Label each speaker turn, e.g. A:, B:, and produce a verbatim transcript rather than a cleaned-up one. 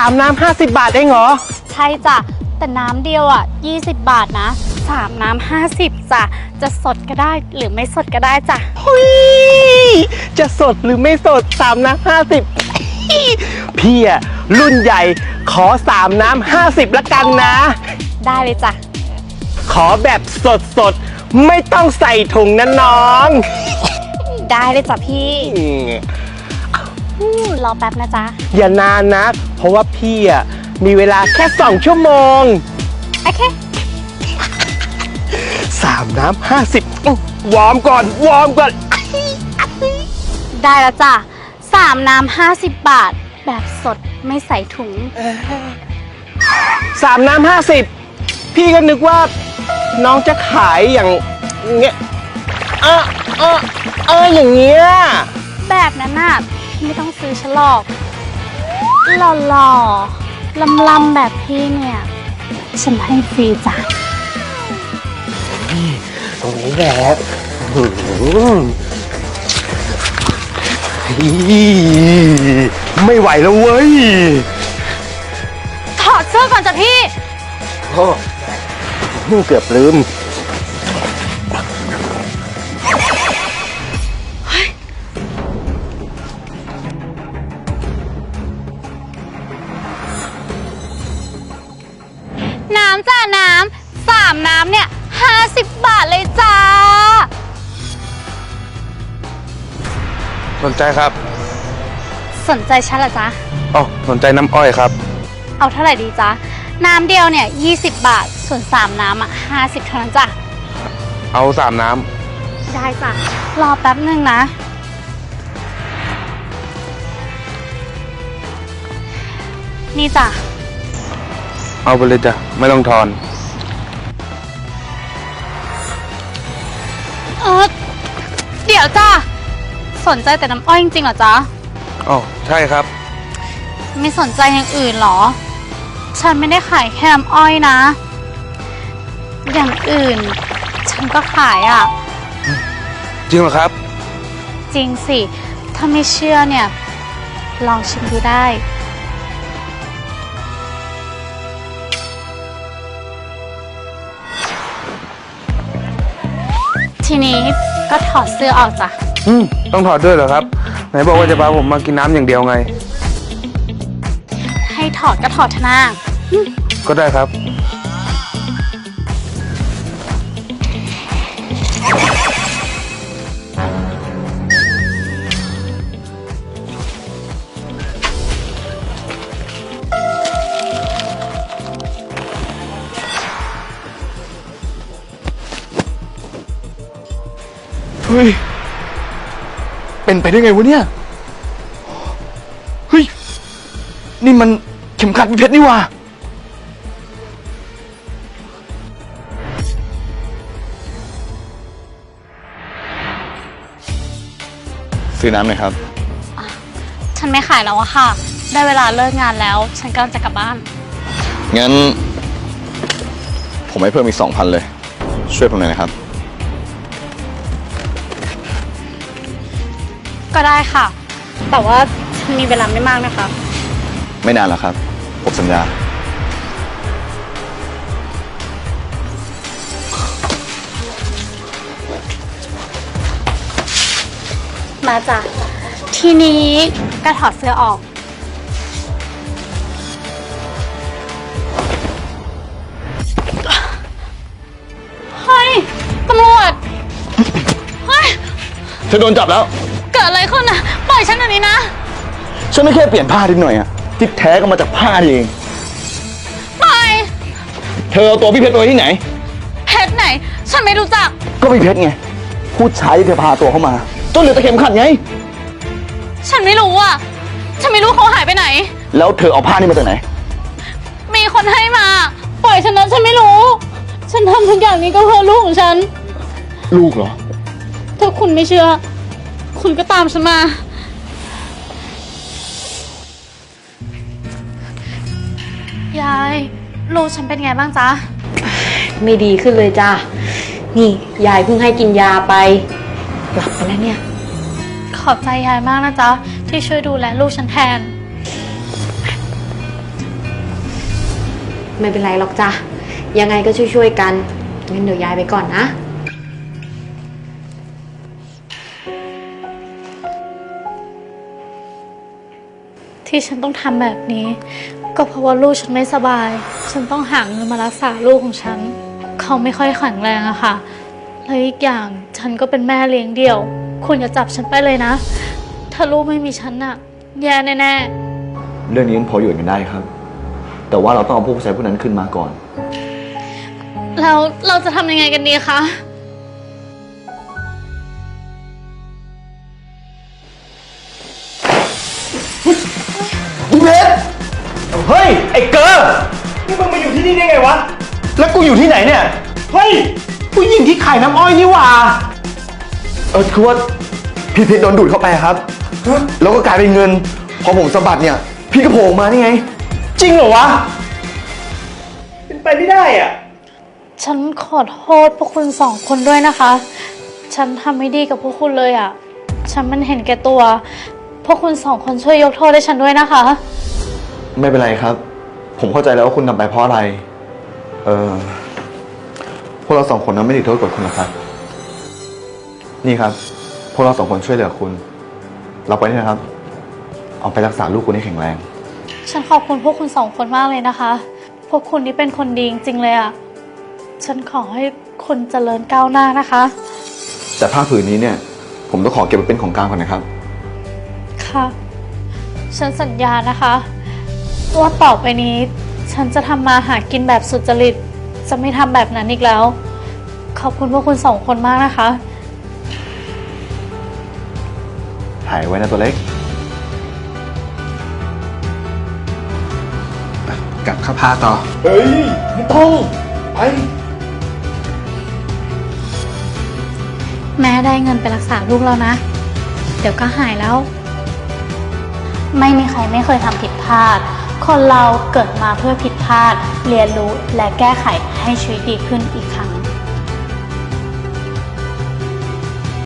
A: ามน้ำห้าสิบบาทเองเหรอ
B: ใช่จ้ะแต่น้ำเดียวอ่ะยี่สิบบาทนะสามน้ำห้าสิบจ้ะจะสดก็ได้หรือไม่สดก็ได้จ้ะ
A: หุยจะสดหรือไม่สดสามน้ำห้าสิบพี่อะรุ่นใหญ่ขอสามน้ำห้าสิบละกันนะ
B: ได้เลยจ้ะ
A: ขอแบบสดสดไม่ต้องใส่ถุงนะน้อง
B: ได้เลยจ้ะพี่รอแป๊บนะจ๊ะ
A: อย่านานนะเพราะว่าพี่อะมีเวลาแค่สองชั่วโมง
B: โอเค
A: สามน้ำห้าสิบวอร์มก่อนวอร์มก่อน
B: ได้แล้วจ้ะสามน้ำห้าสิบบาทแบบสดไม่ใส่ถุง
A: สามน้ำห้าสิบพี่ก็นึกว่าน้องจะขายอย่างเงี้ยเออเออเอออย่างเงี้ย
B: แบบนั้นน่ะพี่ไม่ต้องซื้อฉลอกหล่อๆลำๆแบบพี่เนี่ยฉันให้ฟรีจ้ะ
A: ตรงนี้แหละไม่ไหวแล้วเว้ย
B: ถอดเสื้อก่อนจ้ะพี่
A: โอ้เกือบลืม
B: น้ำจ้าน้ำสามน้ำเนี่ยห้าสิบบาทเลยจ้า
C: สนใจครับ
B: สนใจฉันเหรอจ๊ะ
C: อ๋อสนใจน้ำอ้อยครับ
B: เอาเท่าไหร่ดีจ๊ะน้ำเดียวเนี่ยยี่สิบบาทส่วนสามน้ำอ่ะห้าสิบเท่านั้นจ้ะ
C: เอาสามน้
B: ำได้จ้ะรอแป๊บนึงนะนี่จ้ะ
C: เอาไปเลยจ้ะไม่ต้องทอน
B: เออเดี๋ยวจ้ะสนใจแต่น้ำอ้อยจริงๆเหรอจ๊ะ
C: อ๋อใช่ครับ
B: ไม่สนใจอย่างอื่นหรอฉันไม่ได้ขายแค่น้ำอ้อยนะอย่างอื่นฉันก็ขายอ่ะ
C: จริงเหรอครับ
B: จริงสิถ้าไม่เชื่อเนี่ยลองชิมดูได้ทีนี้ก็ถอดเสื้อออกจ้ะ
C: อืมต้องถอดด้วยเหรอครับไหนบอกว่าจะพาผมมากินน้ำอย่างเดียวไง
B: ให้ถอดก็ถอดเถอะนะ
C: ก็ได้ครับ
D: เฮ้ยเป็นไปได้ไงวะเนี่ยเฮ้ยนี่มันเข็มขัดพี่เพชรนี่หว่าซื้อน้ำหน่อยครับ
B: ฉันไม่ขายแล้วอะค่ะได้เวลาเลิกงานแล้วฉันกำลังจะกลับบ้าน
D: งั้นผมให้เพิ่มอีกสองพันเลยช่วยผมหน่อยนะครับ
B: ก็ได้ค่ะแต่ว่าฉันมีเวลาไม่มากนะคะ
D: ไม่นานหรอกครับผมสัญญา
B: มาจ้ะทีนี้ก็ถอดเสื้อออกเฮ้ยตำรวจเฮ้ย
D: เธอโดนจับแล้ว
B: เกิดอะไรขึ้นนะปล่อยฉันหน่อยนี้นะ
D: ฉันไม่แค่เปลี่ยนผ้านิดหน่อยอะที่แท้ก็มาจากผ้าเอง
B: ปล่อย
D: เธอเอาตัวพี่เพชรไปที่ไหน
B: เพชรไหนฉันไม่รู้จัก
D: ก็พี่เพชรไงผู้ชายที่เธอพาตัวเข้ามาจนเหลือแต่เข็มขัดไง
B: ฉันไม่รู้อ่ะฉันไม่รู้เขาหายไปไหน
D: แล้วเธอเอาผ้านี่มาจากไหน
B: มีคนให้มาปล่อยฉันนะฉันไม่รู้ฉันทำทุกอย่างนี้ก็เพื่อลูกของฉัน
D: ลูกเหรอ
B: ถ้าคุณไม่เชื่อคุณก็ตามฉันมา ยายลูกฉันเป็นไงบ้างจ๊ะ
E: ไม่ดีขึ้นเลยจ้ะนี่ยายเพิ่งให้กินยาไปหลับไปแล้วเนี่ย
B: ขอบใจยายมากนะจ๊ะที่ช่วยดูแลลูกฉันแทน
E: ไม่เป็นไรหรอกจ้ะ ยังไงก็ช่วยๆกันงั้นเดี๋ยวยายไปก่อนนะ
B: ที่ฉันต้องทำแบบนี้ ก็เพราะว่าลูกฉันไม่สบาย ฉันต้องหาเงินมารักษาลูกของฉัน เขาไม่ค่อยแข็งแรงอะค่ะแล้วอีกอย่างฉันก็เป็นแม่เลี้ยงเดี่ยว คุณอย่าจับฉันไปเลยนะ ถ้าลูกไม่มีฉันอะแย่แน่ๆ
D: เรื่องนี้มันพออยู่กันได้ครับ แต่ว่าเราต้องเอาผู้ชายผู้นั้นขึ้นมาก่อน
B: แล้วเราจะทำยังไงกันดีคะ
A: อีเพชรเฮ้ย ไอ้เกอร์นี่มึงมาอยู่ที่นี่ได้ไงวะ แล้วกูอยู่ที่ไหนเนี่ย เฮ้ย ผู้หญิงที่ขายน้ำอ้อยนี่หว่า
D: เออคือว่าพี่เพชรโดนดูดเข้าไปครับ แล้วก็กลายเป็นเงิน พอผมสะบัดเนี่ย พี่ก็โผล่ออกมานี่ไง
A: จริงเหรอวะ เป็นไปไม่ได้อ่ะ
B: ฉันขอโทษพวกคุณสองคนด้วยนะคะ ฉันทำไม่ดีกับพวกคุณเลยอะ่ะ ฉันมันเห็นแก่ตัว พวกคุณสองคนช่วยยกโทษให้ฉันด้วยนะคะ
D: ไม่เป็นไรครับ ผมเข้าใจแล้วว่าคุณทำไปเพราะอะไร เออพวกเราสองคนนั้นไม่ได้โทษกดคุณหรอกครับ นี่ครับ พวกเราสองคนช่วยเหลือคุณ เราไปนี่นะครับ เอาไปรักษาลูกคุณให้แข็งแรง
B: ฉันขอบคุณพวกคุณสองคนมากเลยนะคะ พวกคุณนี่เป็นคนดีจริงๆเลยอะ่ะ ฉันขอให้คุณเจริญก้าวหน้านะคะ
D: แต่ผ้าผืนนี้เนี่ย ผมต้องขอเก็บไว้เป็นของกลางก่อนนะครับ
B: ค่ะ ฉันสัญญานะคะว่าต่อไปนี้ ฉันจะทำมาหากินแบบสุจริต จะไม่ทำแบบนั้นอีกแล้ว ขอบคุณพวกคุณสองคนมากนะคะ
D: ถ่ายไว้นะตัวเล็ก
C: กลับเข้าพาต่อ
A: เฮ้ย ไม่ต้อง ไป
B: แม่ได้เงินไปรักษาลูกแล้วนะ เดี๋ยวก็หายแล้ว ไม่มีใครไม่เคยทำผิดพลาด คนเราเกิดมาเพื่อผิดพลาด เรียนรู้และแก้ไขให้ชีวิตดีขึ้นอีกครั้ง